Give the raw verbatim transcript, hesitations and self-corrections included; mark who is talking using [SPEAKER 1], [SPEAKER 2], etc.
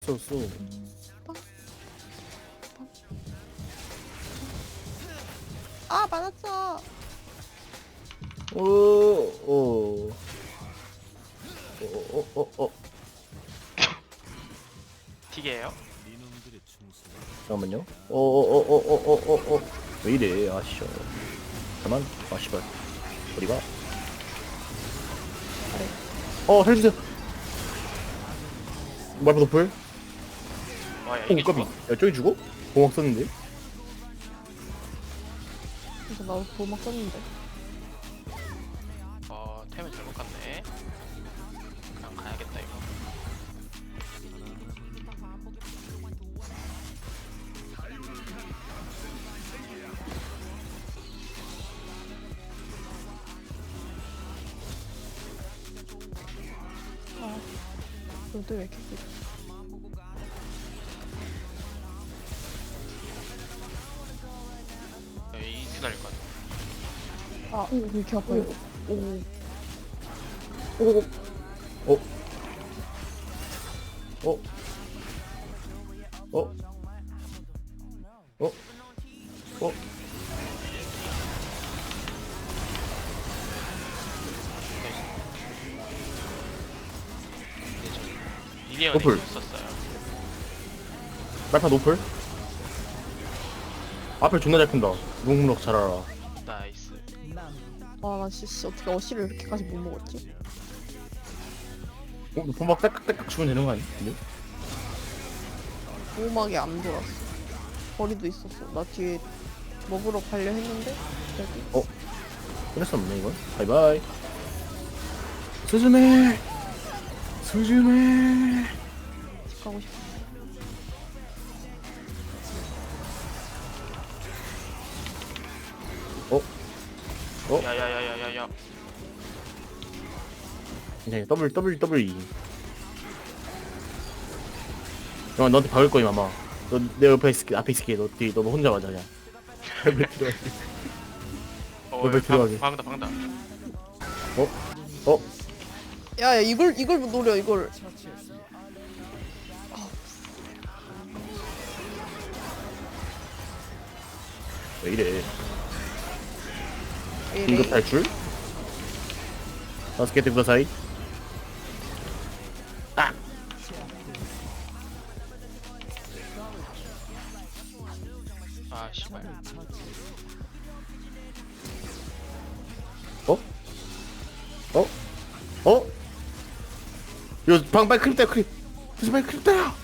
[SPEAKER 1] 썼어.
[SPEAKER 2] 아 맞았어.
[SPEAKER 1] 오, 오, 오, 오, 오, 오.
[SPEAKER 3] 튀게요?
[SPEAKER 1] 잠깐만요. 오, 오, 오, 오, 오, 오, 오, 오. 왜 이래? 아씨. 잠만. 아 씨발. 어디가? 어, 해주세요. 말파 도플.
[SPEAKER 3] 와야
[SPEAKER 1] 오,
[SPEAKER 3] 이게
[SPEAKER 1] 까비.
[SPEAKER 3] 죽어?
[SPEAKER 1] 야, 저기 죽어? 공학 썼는데.
[SPEAKER 2] 그래서 나도 도막 썼는데.
[SPEAKER 3] 어 템을 잘못 갔네. 그냥 가야겠다 이거.
[SPEAKER 2] 아 너도 왜 이렇게 세?
[SPEAKER 3] 여기 기다릴 것 같아.
[SPEAKER 2] 아, 오, 왜 이렇게 아파 이거. 오,
[SPEAKER 1] 오, 오, 오, 오, 오, 오, 오.
[SPEAKER 3] 미니언이
[SPEAKER 1] 노플.
[SPEAKER 3] 있었어요.
[SPEAKER 1] 말파 노플. 앞을 존나 잘 큰다. 무궁무럭 잘 알아.
[SPEAKER 3] 나이스.
[SPEAKER 2] 아, 나 씨, 어떻게 어시를 이렇게까지 못 먹었지?
[SPEAKER 1] 어, 보막 딸깍딸깍 주면 되는 거 아니야? 근데?
[SPEAKER 2] 보호막이 안 돌았어. 거리도 있었어. 나 뒤에 먹으러 가려 했는데 여기.
[SPEAKER 1] 어? 끊을 수 없네 이건. 바이바이. 스즈메. 스즈메.
[SPEAKER 2] 집 가고 싶어.
[SPEAKER 1] 어? 어?
[SPEAKER 3] 야야야야야야.
[SPEAKER 1] 네, 더블 더블 더블 E. 형 너한테 박을 거임 아마. 너 내 옆에 있을게, 앞에 있을게. 너 뒤, 너 혼자 맞아 그냥. 왜 들어가게?
[SPEAKER 3] 어,
[SPEAKER 1] 왜 들어가게?
[SPEAKER 3] 방, 방다 방다.
[SPEAKER 1] 어? 어?
[SPEAKER 2] 야, 야, 이걸 이걸 노려 이걸.
[SPEAKER 1] 왜 이래?
[SPEAKER 2] 왜 이래?
[SPEAKER 1] 긴급 탈출? 다섯 개 뜬거 사이? 아!
[SPEAKER 3] 아 씨발.
[SPEAKER 1] 어? 어? 어? 이거 방 빨리 크립 따 크립. 그래서 빨리 크립 따요.